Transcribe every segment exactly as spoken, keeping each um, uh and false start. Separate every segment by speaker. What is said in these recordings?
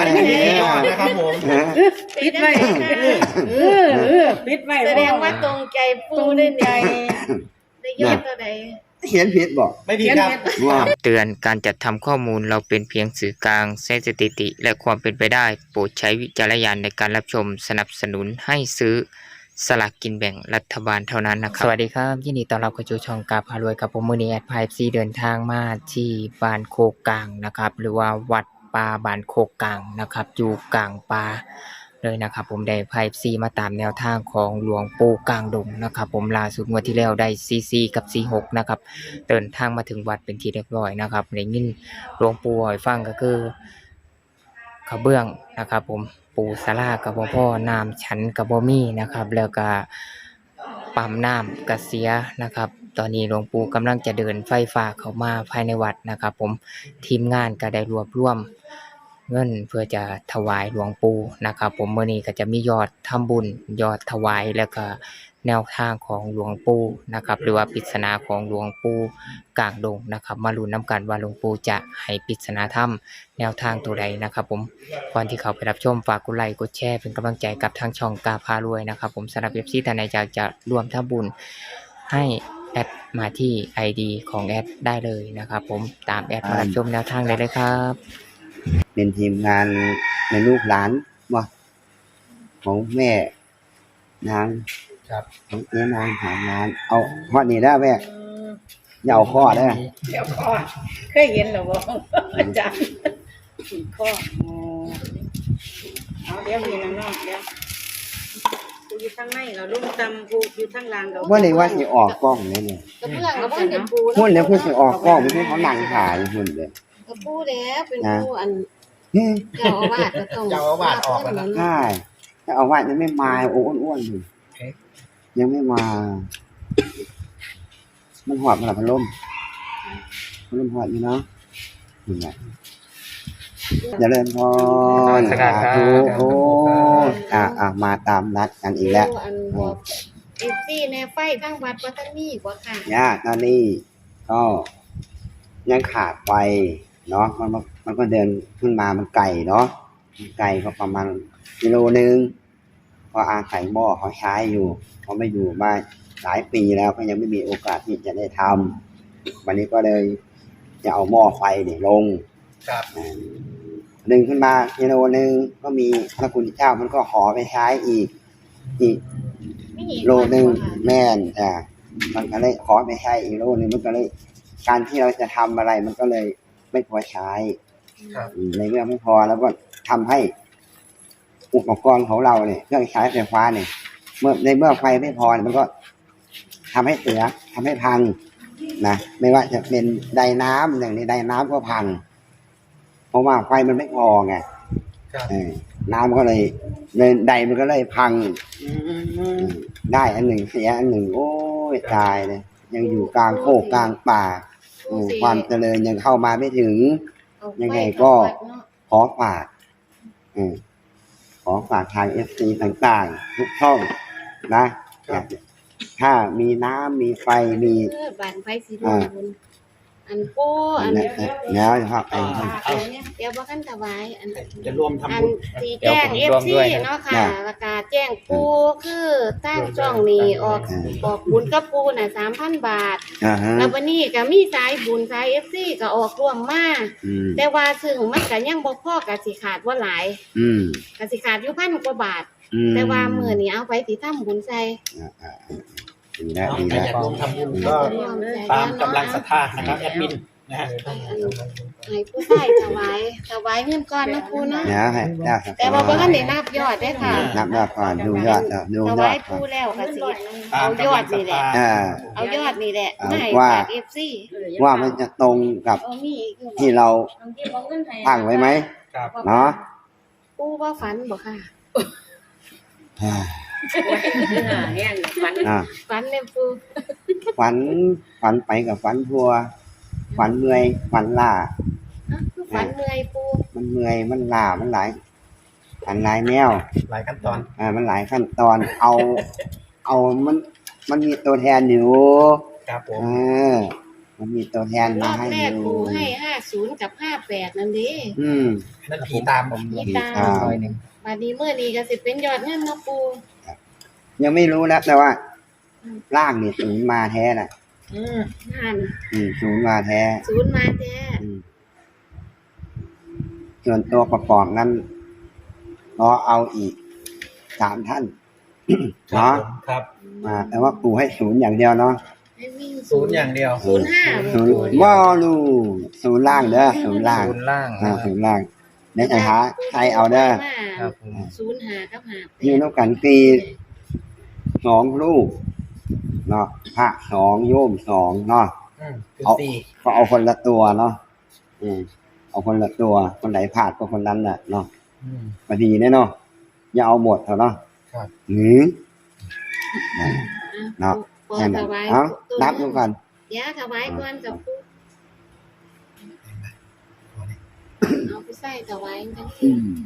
Speaker 1: อย่างนี้นะครับผม
Speaker 2: ปิดไว้เออเออปิดไว้แสดงว่าตรงใจปูได้ใจได้ยอดตัวใด
Speaker 3: เขียนผิดบอก
Speaker 1: ไม่ผิดครับ
Speaker 3: ว่า
Speaker 4: เตือนการจัดทำข้อมูลเราเป็นเพียงสื่อกลางใช้สถิติและความเป็นไปได้โปรดใช้วิจารณญาณในการรับชมสนับสนุนให้ซื้อสลากกินแบ่งรัฐบาลเท่านั้นนะครับสวัสดีครับยินดีต้อนรับเข้าสู่ช่องกาพารวยกับผมมือนี้แอดไพซีเดินทางมาที่บ้านโคกกลางนะครับหรือว่าวัดป่าบ้านโคกกลางนะครับอยู่กลางป่าเลยนะครับผมได้ไพซีมาตามแนวทางของหลวงปู่กลางดงนะครับผมล่าสุดงวดที่แล้วได้ซีซีกับซีหกนะครับเดินทางมาถึงวัดเป็นที่เรียบร้อยนะครับในยินหลวงปู่ให้ฟังก็คือขะเบื้องนะครับผมปูสลากับบ่พ่อน้ำชั้นกับบ่มีนะครับแล้วก็ปั๊มน้ำกระเสียนะครับตอนนี้หลวงปู่กำลังจะเดินไฟฟ้าเข้ามาภายในวัดนะครับผมทีมงานก็ได้รวบรวมเงินเพื่อจะถวายหลวงปู่นะครับผมมื้อนี้ก็จะมียอดทำบุญยอดถวายแล้วก็แนวทางของหลวงปู่นะครับหรือว่าปริศนาของหลวงปู่กลางดงนะครับมาลุ้นนำกันว่าหลวงปู่จะให้ปริศนาธรรมแนวทางตัวใดนะครับผมก่อนที่เขาไปรับชมฝากกดไลค์กดแชร์เป็นกำลังใจกับทางช่องกาพารวยนะครับผมสำหรับ เอฟ ซี ท่านใดอยากจะร่วมทำบุญให้แอดมาที่ ไอ ดี ของแอดได้เลยนะครับผมตามแอดมารับชมแนวทางได้เลยครับ
Speaker 3: เป็นทีมงานในลูกหลานว่าของแม่นาง
Speaker 1: ครับ
Speaker 3: ของเจ๊นางหางานเอาข้อนี้ได้แม่อย่าเอาข้อได้
Speaker 2: เดี๋ยวข้อเคยเห็นหรอวะอาจารย์ข้อเอาเดี๋ยวมีน้องเดี๋ยวกูอยู่ข้างในเราลุ่มตำกูอยู่ข้างล่างเรา
Speaker 3: ว่าเลยว่าจะออกกล้องเลยเนี่ย
Speaker 2: กระเบื้องกระเบื้องเป็นปู
Speaker 3: หุ่นแล้วเพื่อจะออกกล้องไม่ใช่เขาหนังขายหุ่นเลย
Speaker 2: กระปูแล้วเป็นปูอันเจ้าอาวาสจะต้อง
Speaker 1: เจ้าอาวาสออกแล้วนะ
Speaker 3: ใช่เจ้าอาวาสยังไม่มาโอ้อ้วนๆอยู่ยังไม่มามันหอบมาหลับพัดลมพัดลมหอบอยู่เนาะนี่ไงอย่าเล่นพอสาธุโอ้อ่ะอ่ะมาตามนัดกันอีกแล้ว
Speaker 2: เอฟซีในไฟทั้งวัดวัดนี้กว่าค่ะ
Speaker 3: ย่าตอนนี้ก็ยังขาดไฟเนาะมันมันก็เดินขึ้นมามันไกลเนาะไกลก็ประมาณกิโลนึงเพราะอาศัยหม้อเขาใช้อยู่เขาไม่อยู่มาหลายปีแล้วก็ยังไม่มีโอกาสที่จะได้ทำวันนี้ก็เลยจะเอาหม้อไฟเนี่ยลง
Speaker 1: ครับ
Speaker 3: ดึงขึ้นมากิโลนึงก็มีพระคุณเจ้ามันก็ขอไปใช้อีกอีกโลนึงแม่นอ่ามันก็เลยขอไปใช้อีกโลนึงมันก็เลยการที่เราจะทำอะไรมันก็เลยไม่พอใช้ในเรื่องไม่พอแล้วก็ทำให้อุปกรณ์ของเราเนี่ยเครื่องใช้ไฟฟ้าเนี่ยเมื่อในเมื่อไฟไม่พอมันก็ทำให้เสียทำให้พังนะไม่ว่าจะเป็นไดน้ำอย่างนี้ไดน้ำก็พังเพราะว่าไฟมันไม่พอไงน้ำก็เลยเลยไดมันก็เลยพังได้อันหนึ่งเสียอันหนึ่งโอ้ยตายเลยยังอยู่กลางโคกกลางป่าความเจริญยังเข้ามาไม่ถึงยังไงก็ขอฝากขอฝากทาง เอฟ ซี ต่างๆทุกช่องนะถ้ามีน้ำมีไฟมี
Speaker 2: บ้านไฟสีดวงอันโป้อัน
Speaker 3: แล้วครับไอ้
Speaker 2: เดี๋ยวบอกกันถวายอัน
Speaker 1: จะรวมทำบุญ
Speaker 2: สีแจ้ง เอฟ ซี เนาะค่ะประกาศแจ้งปูคือตั้งช่องนี้ออกออกบุญกับปูน่ะ สามพัน บาทแล้ววันนี้ก็มีสายบุญสาย เอฟ ซี ก็ออกร่วมมาแต่ว่าซึ่งมันก็ยังบ่พอก็สิขาดว่าหลาย
Speaker 3: อืม
Speaker 2: ก็สิขาดอยู่พันกว่าบาทแต่ว่ามื้อนี้เอาไปสิทำบุญใส่
Speaker 3: ดีแล้วดี
Speaker 1: แล้วอยากร่วมทำบุญก็ตามกำลังศรัทธานะครับแอดมินนะฮะ
Speaker 2: ให้ผู้ใส่ถวายถวายเงินก่อนนะปูเนาะแต่ว่าบ่ทันได้นับยอดได้ค่ะ
Speaker 3: นับยอดก่อนดูยอดดูยอด
Speaker 2: ถวายปูแล้วก็สิเอายอดนี่แหละเอายอดนี่แหละให้
Speaker 3: ว่า
Speaker 2: เอฟ ซี
Speaker 3: ว่ามันจะตรงกับที่เราตั้งไว้ไหมเนาะ
Speaker 2: ปูว่าฝันบ่ค่ะฝันฝันเนี่ยปู
Speaker 3: ฝันฝันไปกับฝันทัวฝันเมื่อยฝันล่า
Speaker 2: ฝันเมื่อยปู
Speaker 3: มันเมื่อยมันล่ามันหลายฝันหลายแนว
Speaker 1: หลายขั้นตอน
Speaker 3: อ่ามันหลายขั้นตอนเอาเอามันมันมีตัวแทนอยู่
Speaker 1: ครับผม
Speaker 3: เออมันมีตัวแทน
Speaker 2: ร
Speaker 3: มา
Speaker 2: อบ
Speaker 3: ให้
Speaker 2: แรก
Speaker 3: ดู
Speaker 2: ปูให้ห้าศูนย์กับห้าแปดนั่นเด้
Speaker 3: อืม
Speaker 1: นั่นผีตามผม
Speaker 2: ผีตาม
Speaker 3: อ่า
Speaker 4: ร้อยหนึ่ง
Speaker 2: บัดนี้เมื่อนี้ก็สิเป็นยอดเงินเนาะปู
Speaker 3: ยังไม่รู้นะแต่ว่าล่างนี่ศูนย์มาแท้น่ะ
Speaker 1: อืม
Speaker 2: นั่น
Speaker 3: อืมศูนย์มาแท้
Speaker 2: ศูนย์มาแท้
Speaker 3: อืมส่วนตัวประกอบนั้นรอเอาอีกสามท่าน
Speaker 1: ครั
Speaker 3: เนาะ
Speaker 1: บผมครับ
Speaker 3: อ่าแต่ว่าปู่ให้ศูนย์อย่างเดียวเนาะ
Speaker 2: ให้วิ่ง
Speaker 1: ศูนย์อย่างเดียว
Speaker 2: ศูนย์ห้า
Speaker 3: ศูนย์บ่รูศูนย์ล่างเด้อศูนย์ล่าง
Speaker 4: ศูนย์ล่าง
Speaker 3: อ่า
Speaker 4: นะครับ
Speaker 3: ศูนย์ล่างในใจหาใครเอาเด้อ
Speaker 4: ครับผม
Speaker 2: ศูนย์ห้ากับห้าแปด
Speaker 3: ยืนต้องกันปีสองลูกเนาะพระสองโยมสองเนาะ
Speaker 1: อืมคือ
Speaker 3: เอา
Speaker 1: สี่
Speaker 3: ก็เอาคนละตัวเนาะอืมเอาคนละตัวคนไหนพลาดก็คนนั้นน่ะเนาะ
Speaker 1: อืม
Speaker 3: พอดีแน่เนาะอย่าเอาหมดเถอะเนาะ
Speaker 1: ครับ
Speaker 3: หือ เนาะ
Speaker 2: ปอ
Speaker 3: แค่
Speaker 2: ถ
Speaker 3: นั้น
Speaker 2: วาย
Speaker 3: เอา
Speaker 2: ตัว
Speaker 3: นับดูกัน
Speaker 2: ยาถวายก่อนกับปูเอาไปใส่ถวายกัน
Speaker 3: อืม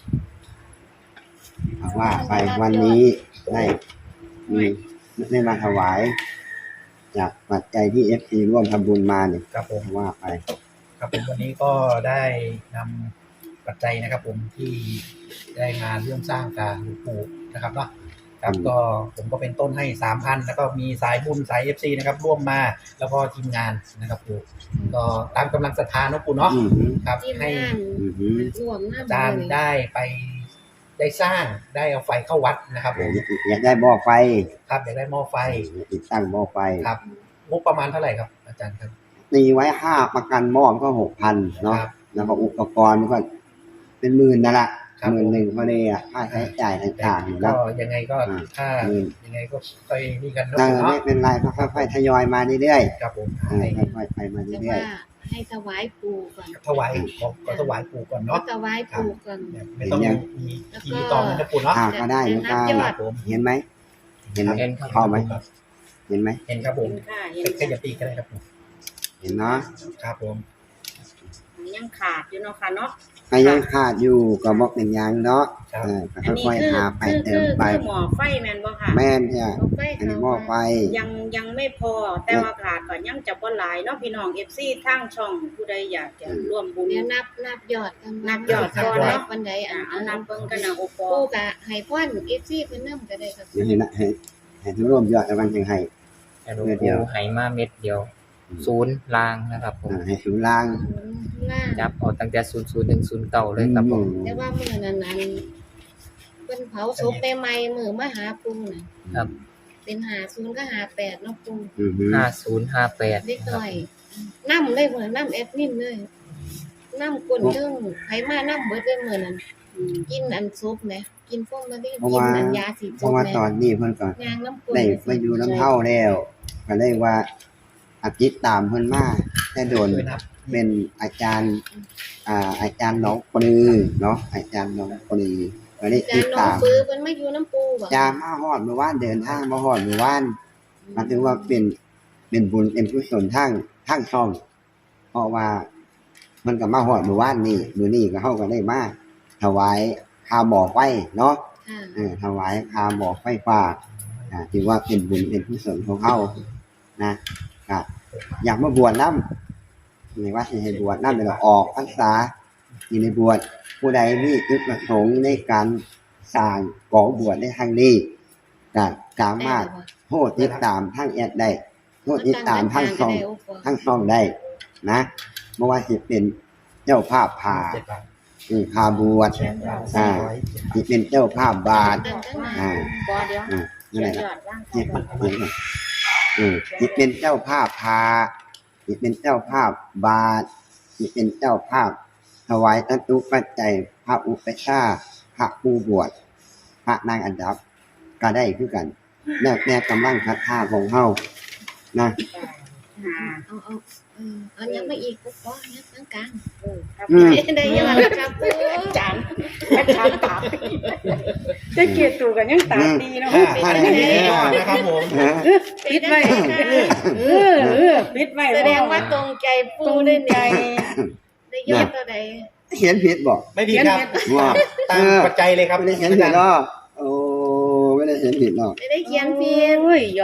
Speaker 3: เอาว่าไปวันนี้ได้มีได้มาถวาย จากปัจจัยที่เอฟซีร่วมทำบุญมาเนี่ย
Speaker 1: ครับผม
Speaker 3: ว่าไป
Speaker 1: ครับผมวันนี้ก็ได้นำปัจจัยนะครับ ผมที่ได้มาเรื่องสร้างการหลวงปู่นะครับเนาะครับก็ผมก็เป็นต้นให้สามพันแล้วก็มีสายบุญสายเอฟซีนะครับ ร่วมมาแล้วก็ทีมงานนะครับปู่ก็ตามกำลังศรัทธาเนาะปู่เนาะ
Speaker 3: อืม
Speaker 1: ครับ
Speaker 2: ที่
Speaker 1: ให้
Speaker 2: งาน
Speaker 3: อืม
Speaker 2: รวมหน้า
Speaker 1: อาจารย์ได้ไปได้สร้างได้เอาไฟเข้าวัดนะครับผม
Speaker 3: อยากได้บ่อไฟ
Speaker 1: ครับอยากได้หม้อไฟ
Speaker 3: ติดตั้งบ่อไฟ
Speaker 1: ครับงบประมาณเท่าไหร่ครับ อาจารย์ครับ
Speaker 3: ตีไว้ห้าประกันหม้อมันก็หกพันเนาะ
Speaker 1: ครับ
Speaker 3: แล้วก็อุปกรณ์มันก็เป็นหมื่นนั่นแหละ
Speaker 1: ครับ
Speaker 3: หมื่นหนึ่งพอดีอ่ะค่าใช้จ่ายต่างๆอยู่
Speaker 1: ก็
Speaker 3: นะ
Speaker 1: ยังไงก็
Speaker 3: อ่า
Speaker 1: ถ้า
Speaker 3: อืม
Speaker 1: ยังไงก็ค่อยนี่กันเนาะ
Speaker 3: เออ
Speaker 1: ปู่
Speaker 3: ไม่
Speaker 1: เนาะ
Speaker 3: เป็นไรก็ค่อยๆทยอยมาเรื่อย
Speaker 1: ครับผม
Speaker 3: ๆเออ
Speaker 1: ให้
Speaker 3: ค่อยๆไปมา
Speaker 2: แต่
Speaker 3: เรื่อ
Speaker 2: ว่าย ให้ถวายปู่ก่อน
Speaker 1: ถวายขอก็ถวายปู่ก่อน
Speaker 2: ก็
Speaker 1: เนาะ
Speaker 2: ถวายปู่ก่อน
Speaker 1: ไม่ต้องมีทีตอนนั้นนะปู่เนาะ
Speaker 3: ๆอ่าก็ได้เหมือนกัน
Speaker 2: ยอ
Speaker 1: ครั
Speaker 2: ด
Speaker 1: บผม
Speaker 3: เห็นไหมเห็นไหม
Speaker 4: เห็นครับ
Speaker 3: เข้าไหมเห็นไหม
Speaker 1: เห็นครับผม
Speaker 2: ค่ะเห็น
Speaker 1: แค่จะปีก็ได้ครับผม
Speaker 3: เห็นเนาะ
Speaker 1: ครับผม
Speaker 2: ยังขาดอยู่เนาะค่ะเนาะ
Speaker 3: ก็ยังขาดอยู่ก็บอกเป็นอยังเนาะ
Speaker 1: ครับ
Speaker 3: เออก็
Speaker 5: อันนี้
Speaker 3: ค่อย
Speaker 5: คือ
Speaker 3: ๆหาไป
Speaker 5: คือ
Speaker 3: เติ
Speaker 5: คื
Speaker 3: ม
Speaker 5: อ
Speaker 3: ไป
Speaker 5: คือหมอไฟแม่นบ่ค่ะ
Speaker 3: แม่นเนี่ย
Speaker 2: เอาไป
Speaker 3: อันนี้หม้อไฟ
Speaker 5: ยังยังไม่พอ แต่ว่าขาดก็ยังจะบ่หลายเนาะพี่น้อง เอฟ ซี ทางช่องผู้ใดอยากจะร่วมบุญ
Speaker 2: เดี๋ยวนับนับยอดกัน
Speaker 5: นับยอดก่อนเนาะ
Speaker 2: วันใด
Speaker 5: อ่า
Speaker 2: อ่ะ
Speaker 5: เอานำเบิ่งกันนะโอปอ
Speaker 2: ปู่กะให้พ่อนเอฟซีเพิ่นนำก็ได้ครับ
Speaker 3: เดี๋ยวเห็นนะให้ให้ทุกร่วมยอดแล้วกันยังให้
Speaker 4: แต่หลวงปู่ไหมาเม็ดเดียวศูนย์ล่างนะครับผม
Speaker 3: อ่าให้ศูนย์ล่าง
Speaker 2: ล่าง
Speaker 4: จับเอาตั้งแต่ศูนย์ศูนย์ถึงศูนย์เก้าเลยครับผม
Speaker 2: แต่ว่ามื้อนั้นอันเพิ่นเผาศพใหม่ๆมื้อมาหาปู่น่ะ
Speaker 4: ครับ
Speaker 2: เป็นห้าศูนย์กับห้าแปดเนาะปู่
Speaker 3: อือฮึ
Speaker 4: ห้าศูนย์ห้าแปด
Speaker 2: เล็กน้อยนำเลยมื้อนำแอดมินเลยนำคนเทิงไผมานำเบิดเลยมื้อนั้นกินอันซุปแหมกินพวกมะลิกินอันยาสี
Speaker 3: เพ
Speaker 2: ซุ
Speaker 3: ราะ
Speaker 2: ป
Speaker 3: ว่า
Speaker 2: แหม
Speaker 3: ตอนนี้เพิ่นก็
Speaker 2: ยางน้ำกล
Speaker 3: ได้มาอยู่น้ำเฮาแล้วก็เลยว่าอาทิตย์ตามเพิ่นมาแต่โดน
Speaker 1: ช่วยนับ
Speaker 3: เป็นอาจารย์ อ่า อาจารย์น้องปลือเนาะอาจารย์น้องปลือก็ได้
Speaker 2: จา
Speaker 3: ติ
Speaker 2: น
Speaker 3: ด
Speaker 2: น้อง
Speaker 3: ตาม
Speaker 2: ปื้อเพิ่นมาอยู่น้ำปูบ่
Speaker 3: จามาฮอดเมื่อวานเดินทางมาฮอดเมื่อวานมันถือว่าเป็นเป็นบุญเป็นกุศลทางทางช่อง เพราะว่ามันก็มาฮอดเมื่อวานนี่มื้อนี้ก็เฮาก็ได้มาถวายคาบ่อไฟเนาะ
Speaker 2: ค่ะ
Speaker 3: เออถวายคาบ่อไฟฟ้าอ่าถือว่าเป็นบุญเป็นกุศลของเฮานะก็อยากมาบวชนำไม่ว่าสิให้บวชนำเป็นออกพรรษาอยู่ในบวชผู้ใดมีจุดประสงค์ในการสร้างก่อบวชในทางนี้ก็สามารถโทษติดตามทางแอดได้โทษติดตามทางช่องทางช่องได้นะบ่ว่าสิเป็นเจ้าภาพผ่า
Speaker 1: เจ็ดบาท
Speaker 3: อือพาบวช
Speaker 1: แชร์บาทสี่ร้อย
Speaker 3: สิเป็นเจ้าภาพบาท อ่า
Speaker 5: ปอเดี๋ยว
Speaker 3: อ่า
Speaker 5: เขี
Speaker 3: นั่น
Speaker 5: ย
Speaker 3: แห
Speaker 5: น
Speaker 3: ละ
Speaker 5: ยอดร่าง
Speaker 3: เจ็บเจ็บอือสิเป็นเจ้าภาพพาสิเป็นเจ้าภาพบาทสิเป็นเจ้าภาพถวายตัตุปัจจัยพระอุปชฌาย์พระผู้บวชพระนางอันดับก็ได้คือกัน แล้วแต่กำลังศรัทธาของเฮานะ
Speaker 5: อ่า
Speaker 2: เอาเอาเออเอายังไม่อีกปุ๊บก็ยักกลาง
Speaker 5: เออครับ
Speaker 3: อืม
Speaker 2: ๆได้ยอดแล้วครับปู
Speaker 5: จานอาจารย์ตาจะเกียรติตูกันยังตาดีเนาะ
Speaker 1: อ่า
Speaker 5: ปิด
Speaker 1: อัน
Speaker 5: ไว้
Speaker 1: นี้ก่อนนะครับผม
Speaker 5: ปิดไว้เออเออปิดไว้
Speaker 2: แสดงว่าตรงใจปู
Speaker 5: ตู
Speaker 2: ได้
Speaker 5: ได้
Speaker 2: เนี่
Speaker 5: ใจ
Speaker 2: ยได้ยอดเท่าใด
Speaker 3: เขียนผิดบ่
Speaker 1: ไม่ผิดครับ
Speaker 3: ว่า
Speaker 1: ตามปัจจัยเลยครับ
Speaker 3: ไม่ได้เขียนผิดเนาะโอ้ไม่ได้เขียนผิดเนาะ
Speaker 2: ไม่ได้เขียนผิด
Speaker 5: โอ้ยยอด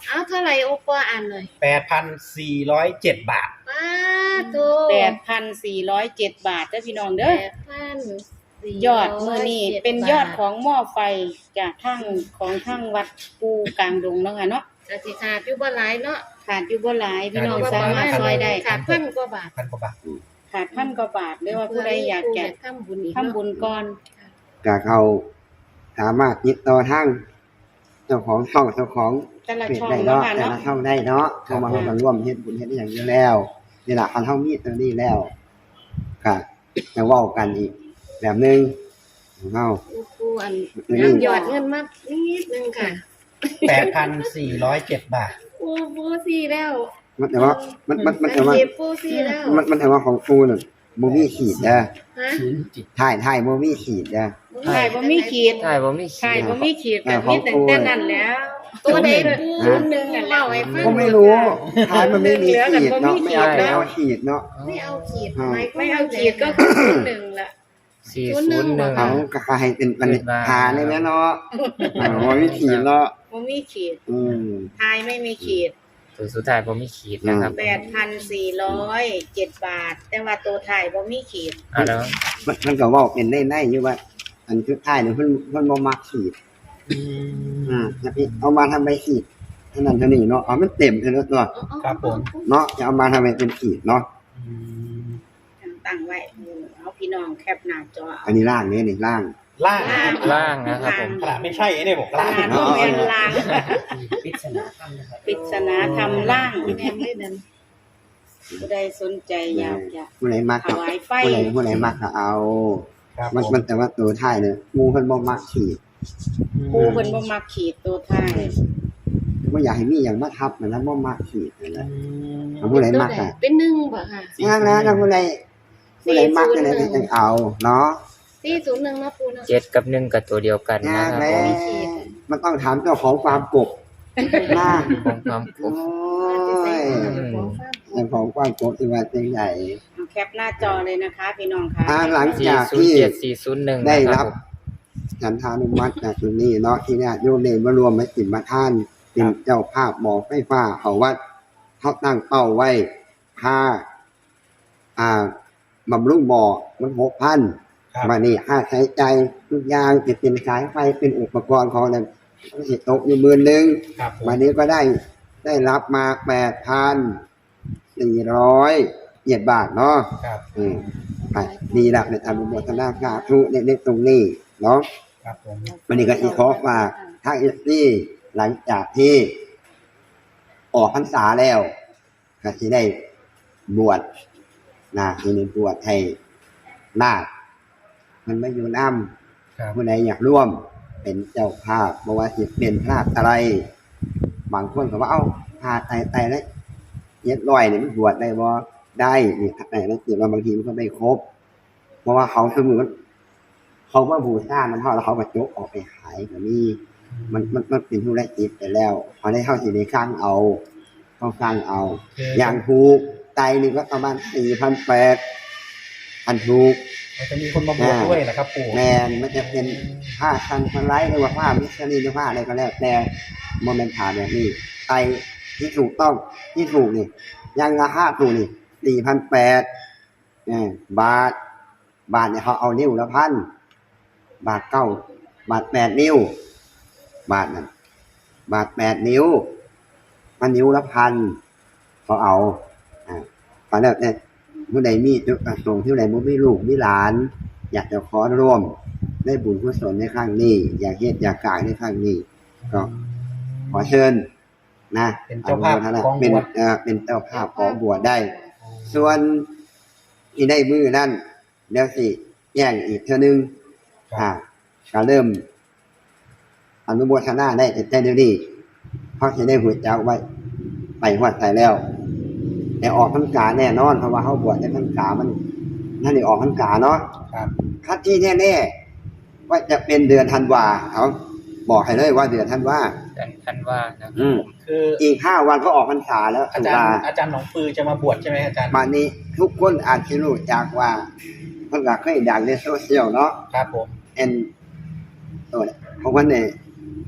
Speaker 2: เอาเท่าไหร่โอปออ่านเลย
Speaker 1: แปดพันสี่ร้อยเจ็ดบาท
Speaker 2: ป้าโต
Speaker 5: แปดพันสี่ร้อยเจ็ดบาทเด้อพี่น้องเด้อ
Speaker 2: แปดพันสี่
Speaker 5: ยอดมื้อนี้เป็นยอดของหม้อไฟจากทั้งของทั้งวัดปูกลางดงเนาะค่ะเนาะ
Speaker 2: กสิขาดอยู่บ่หลายเนาะ
Speaker 5: ขาดอยู่บ่หลายพี่น้อง
Speaker 1: ขาดอยู่
Speaker 5: สามารถซอยได้
Speaker 2: ขาดพันกว่าบาท
Speaker 1: พันกว่าบาท
Speaker 5: ขาดพันกว่าบาทหรือว่าผู้ใดอยากจะ
Speaker 2: ทำบุญอีก
Speaker 5: ทำบุญก่อน
Speaker 3: ก็เขาสามารถติดต่อทางเจ้าของช่องเจ้าของ
Speaker 5: แต่ละ
Speaker 3: เพจ
Speaker 5: ช่อง
Speaker 3: ได้
Speaker 5: เนาะ
Speaker 3: เนาะ
Speaker 5: ค่ะ
Speaker 3: แต่
Speaker 5: เนาะ
Speaker 3: ละช่องได้เนาะเข้ามาเข้ามาร่วมเฮ็ดบุญเฮ็ดอหย่างอยู่แล้วนี่ล่ะคันเฮามีตรงนี้แล้วก็จะเว้ากันอีกแบบนึงของเฮา
Speaker 2: ปูอัน
Speaker 3: อืม
Speaker 2: น้ำยอดเงินมานิดนึงค่ะ
Speaker 1: แปดพันสี่ร้อยเจ็ดบาท
Speaker 2: ปูปูซี่แล้ว
Speaker 3: มันแต่ว่ามันมันมันแต่ว่า
Speaker 2: เจ็บปูซี่แล้ว
Speaker 3: มันมันแต่ว่าของกูน่ะบ่มีขีดเด้อ
Speaker 2: ฮะ
Speaker 3: ถ่ายถ่ายบ่มีขีดเด้อ
Speaker 5: ถ่ายบ่มีขีด
Speaker 4: ใช่ผมไม่
Speaker 5: ถ่าย
Speaker 4: คิด
Speaker 5: บ่มีขีด
Speaker 3: เอ
Speaker 5: ก็
Speaker 3: อ
Speaker 5: มี
Speaker 3: ของ
Speaker 5: แต่
Speaker 3: กู
Speaker 5: แต่นั้นแล้ว
Speaker 2: ตัวใดปู
Speaker 3: ฮะ
Speaker 2: หนึ่งเล่าให้ฟัง
Speaker 3: ก็ไม่รู้ถ่ายมันไม่มีขีดเนาะ
Speaker 5: เหลื
Speaker 3: ไม่
Speaker 5: อ
Speaker 3: เอา
Speaker 5: แต่บ่มีขีด
Speaker 3: ไม่เอาขีดเนาะ
Speaker 2: ไม่เอาขีด
Speaker 3: อ่า
Speaker 2: หมายคว
Speaker 5: ไม่
Speaker 2: ว่
Speaker 5: เอาขีดก็คือหนึ่งละ
Speaker 4: สี่ศูนย์หนึ่ง
Speaker 3: เอาก็ให้เป็นปัญหาเลยแม่เนาะอ๋อบ่มีขีดเนาะ
Speaker 5: บ่มีขีด
Speaker 3: อืม
Speaker 5: ถ่ายไม่มีขีด
Speaker 4: ตัวสุดท้ายผมไม่ขีดนะครับ
Speaker 5: แปดพันสี่ร้อยเจ็ดบาท แต่ว่าตัวถ่ายบ่มีขีด
Speaker 4: อ่ะแล้ว
Speaker 3: มันมันก็เว้าเป็นได้ๆอยู่ว่า อันสุดท้ายเนี่ยเพิ่นเพิ่นบ่มักขีด อ่าจะไปเอามาทำใบขีดเท่านั้นเท่านี้เนาะเอามันเต็มเท่านั้นตัว
Speaker 1: ครับผม
Speaker 3: เนาะจะเอามาทำให้เป็นขีดเนาะ
Speaker 5: ตั้งไว้เอาพี่น้องแคปหน้าจอเอา
Speaker 3: อันนี้ล่างนี่นี่ล่าง
Speaker 1: ล่าง
Speaker 4: ล่างนะครับผม
Speaker 1: ขนาดไม่ใช่ไอ้เนี่ยบอก
Speaker 5: ข
Speaker 1: ล่าง
Speaker 5: นาดบ่แม่นล่าง
Speaker 1: ปริศนาธรรมนะครับ
Speaker 5: ปริศนาทำล่าง
Speaker 2: แม่นเลยนั่น
Speaker 5: ผู้ใดสนใจอยากจะ
Speaker 3: ผู้ใดมัก
Speaker 5: ถ
Speaker 3: ก็
Speaker 5: วายไฟ
Speaker 3: ผู้ใดผู้ใดมักก็เอา
Speaker 1: ครับ
Speaker 3: มันมันแต่ว่าตัวท้ายเนี่ยหมู่เพิ่นบ่มักขีด
Speaker 5: ปูเพิ่นบ่มักขีดตัวถ่าย
Speaker 3: บ่อยากให้มีหยังมาทับมันแล้วบ่มักขีดนั่นแหละ
Speaker 1: อืม
Speaker 3: เอาผู้ใดมักอ่ะ
Speaker 2: เป็นหนึ่งบ่ค่ะ
Speaker 3: งานนะถ้าผู้ใดผู้ใดมักนั่นแหละจังเอาเนาะ
Speaker 2: สี่ศูนย์หนึ่งเนาะปูเนาะ
Speaker 4: เจ็ดกับหนึ่งกับตัวเดียวกันนะครับ
Speaker 3: แล้
Speaker 4: ผ
Speaker 3: ว
Speaker 4: ม
Speaker 3: มันต้องถามเจ้าของฟาร์มกบนะ
Speaker 4: ของความผ
Speaker 3: โอ้
Speaker 4: ม
Speaker 3: ยเจ้าของฟาร์มกบที่ว่าจังใหญ่
Speaker 5: เอาแคปหน้าจอเลยนะคะ พี่น้องค่ะ
Speaker 3: อ่าหลัง
Speaker 4: สี่
Speaker 3: จาก
Speaker 4: ศูน
Speaker 3: ที่
Speaker 4: ย์เจ็ดสี่ศูนย์หนึ่ง
Speaker 3: ได้
Speaker 4: นะค
Speaker 3: รั
Speaker 4: รั
Speaker 3: บบ
Speaker 4: ผม
Speaker 3: ฉันทานุมัติจากจุดนี้เนาะที่เนี่ยโยมเนรมารวมมาสิมาท่านเป็นเจ้าภาพหมอไฟฟ้าเขาวัดเขาตั้งเป้าไว้ค่าอ่าบำรุงบ่อมันหกพัน
Speaker 1: ครับ
Speaker 3: มานี่ค่าใช้ใจายทุกอย่างจะเป็นสายไฟเป็นอุปกรณ์ของนั้นสิตกอยู่หมื่นหนึ่ง
Speaker 1: ครับผม
Speaker 3: วันนี้ก็ได้ได้รับมาแปดพันสี่ร้อยเจ็ดบาทเนาะ
Speaker 1: ครับ
Speaker 3: อืมไปดีละในทำบุญโมทนาสาธุในในตรงนี้เนาะ
Speaker 1: ครับผม
Speaker 3: วันนี้ก็อีกขอฝากทางเอสซี่หลังจากที่ออกพรรษาแล้วก็ที่ได้บวชนะที่ได้บวชให้นาคมันไม่อยู่น้
Speaker 1: ครับ
Speaker 3: ำผู้ใดอยากร่วมเป็นเจ้าภาพบอกว่าสิเป็นภาพอะไร บางคนก็ว่าเอ้าภาพไตไตแล้วเย็ดลอยเนี่ยมันบวชได้บ่ได้นี่แต่แล้วเกิดว่าบางทีมันก็ไม่ครบ เพราะว่าเขาสมมุติเขาว่าบูชามันเท่าแล้วเขาก็จกออกไปขายก็มีมันมันมันเป็นธุรกิจไปแล้วพอได้เข้าสิได้สร้างเอาเขาสร้างเอา อย่างถูกไตหนึงก็ประมาณสี่พันแปดอันถูก
Speaker 1: มันจะมีคนมาบวชด้วยนะครับปู่
Speaker 3: แมนมันจะเป็นผ้าคันพันไลท์หรือว่าผ้ามิสซีหรือผ้าอะไรก็แล้วแต่โมเมนต์ผ่าแบบนี้ไตที่ถูกต้องที่ถูกนี่ยังราคาถูกนี่สี่พันแปดบาท บาทเนี่ยเขาเอานิ้วละพันบาทเก้าบาทแปดนิ้ว บาทนั่นบาทแปดนิ้วมันนิ้วละพันเขาเอาอ่าตอนแรกเนี่ยผู้ใดมีจุดประสงค์ที่ใดบ่มีลูกมีหลาน อยากจะขอร่วมได้บุญกุศลในครั้งนี้ อยากเฮ็ดอยากกายในครั้งนี้ ก็ขอเชิญนะ
Speaker 1: เป็นเจ้าภาพ
Speaker 3: อนุโมทน
Speaker 1: ของ
Speaker 3: เป็น
Speaker 1: บวช
Speaker 3: เอ่อเป็นเจ้าภาพของบวชได้ ส่วนที่ได้มือนั่นเดี๋ยวสิแย่งอีกเท่านึง
Speaker 1: ครับ
Speaker 3: อ่าก็เริ่ม อนุโมทนาได้แต่เดี๋ยวนี้เพราะจะได้หัวเจ้าไว้ไปหัวใจแล้ว แต่ออกพรรษาแน่นอนเพราะว่าเขาบวชในพรรษามันนั่นนี่ออกพรรษาเนาะ
Speaker 1: ครับ
Speaker 3: คัดที่แน่ๆว่าจะเป็นเดือนธันวาเขาบอกให้เลยว่าเดือนธันวา
Speaker 4: กันคันว่านะครับ
Speaker 3: อืม
Speaker 1: คือ
Speaker 3: อีกห้าวันก็ออกพรรษาแล้ว
Speaker 1: อา
Speaker 3: ตุ
Speaker 1: จาร
Speaker 3: ลา
Speaker 1: ย์อาจารย์หนองปือจะมาบวชใช่ไหมอาจารย์
Speaker 3: มานี้ทุกคนอาจจะรู้จักว่าเพิ่นก็เคยดังในโซเชียลเนาะ
Speaker 1: ครับผม
Speaker 3: เอ็นตัวเนี่ยเพราะว่าเนี่ย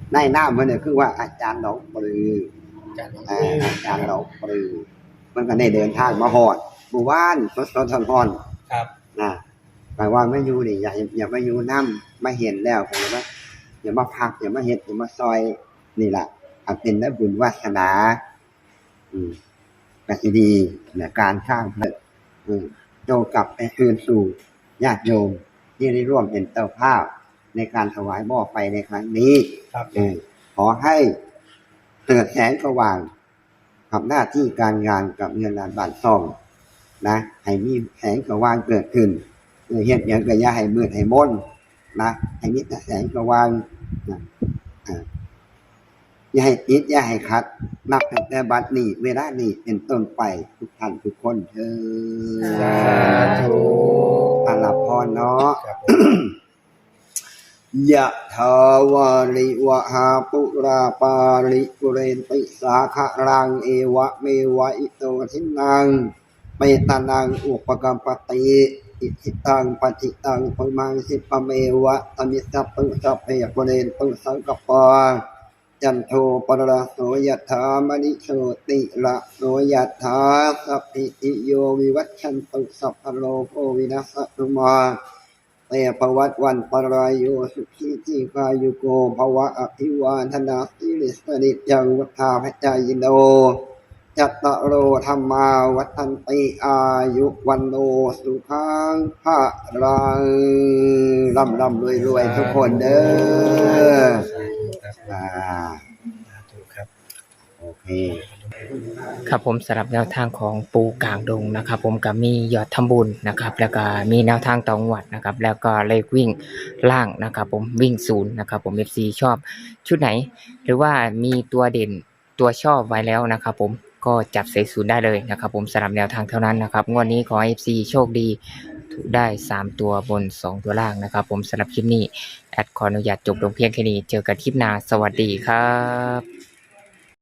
Speaker 3: ในหน้ามันเนี่ยคือว่าอาจารย์หนองปลือ
Speaker 1: อาจารย์หลวง
Speaker 3: อ่า
Speaker 1: ปู่
Speaker 3: อาจารย์หนองปลือมันก็ได้เดินทางมาหอดหมู่บ้านสดสดทอน
Speaker 1: ครับ
Speaker 3: ๆนะแปลว่าไม่อยู่นี่อย่าอย่ามาอยู่น้ำมาเห็นแล้วผมว่าอย่ามาพักอย่ามาเห็ดอย่ามาซอยนี่แหละอาจเป็นได้บุญวาสนาอืมกสิดีเนี่ยการข้างเพิดอืมโจกลับไปคืนสู่ญาติโยมที่ได้ร่วมเป็นเจ้าภาพในการถวายหม้อไฟในครั้งนี้
Speaker 1: ครับ
Speaker 3: เออขอให้เกิดแสงสว่างกับหน้าที่การงานกับเงินล้านบาทซองนะให้มีแสงสว่างเกิดขึ้นเออเฮ็ดอย่างก็อย่าให้มืดให้มนนะให้มีแต่แสงสว่างนะอ่าอย่าให้ติดอย่าให้ขัด นับตั้งแต่บัดนี้เวลานี้เป็นต้นไปทุกท่านทุกคนเถิด
Speaker 1: สาธุ
Speaker 3: อาลับพรเนาะ
Speaker 1: ครับผม
Speaker 3: ยะทาวาริวะหาปุราปาริปุเรนติสาคะรังเอวะเมวะอิโตทินังเปตานังอุปกัมปติอิทิตังปฏิตังปมังสิปะเมวะตมิสัพพุสัพเพปุเรนตุสังกปาจันโทปรโสยถามณิโชติละโสยถาสัพพิติโยวิวัชชันตุสัพพโลโภวินัสตุมาเตภวัตวันปรายโยสุขีทีกายุโกภวะอภิวาทนาสิริสนิจังวัฏาพจายโนจัตตโรธรรมาวัฏันติอายุวันโนสุขังภะรังร่ำร่ำรวยรวยทุกคนเด้อ
Speaker 1: ครับ
Speaker 3: อ่า
Speaker 1: สาธุครับ
Speaker 3: โอเค
Speaker 4: ครับผมสำหรับแนวทางของปูกลางดงนะครับผมก็มียอดทำบุญนะครับแล้วก็มีแนวทางต่องวดนะครับแล้วก็เลขวิ่งล่างนะครับผมวิ่งศูนย์นะครับผม เอฟ ซี ชอบชุดไหน หรือว่ามีตัวเด่นตัวชอบไว้แล้วนะครับผมก็จับใส่ศูนย์ได้เลยนะครับผมสำหรับแนวทางเท่านั้นนะครับงวดนี้ขอให้ เอฟ ซี โชคดีถูกได้สามตัวบนสองตัวล่างนะครับผมสำหรับคลิปนี้แอดขออนุญาตจบลงเพียงแค่นี้เจอกันคลิปหน้าสวัสดีครับ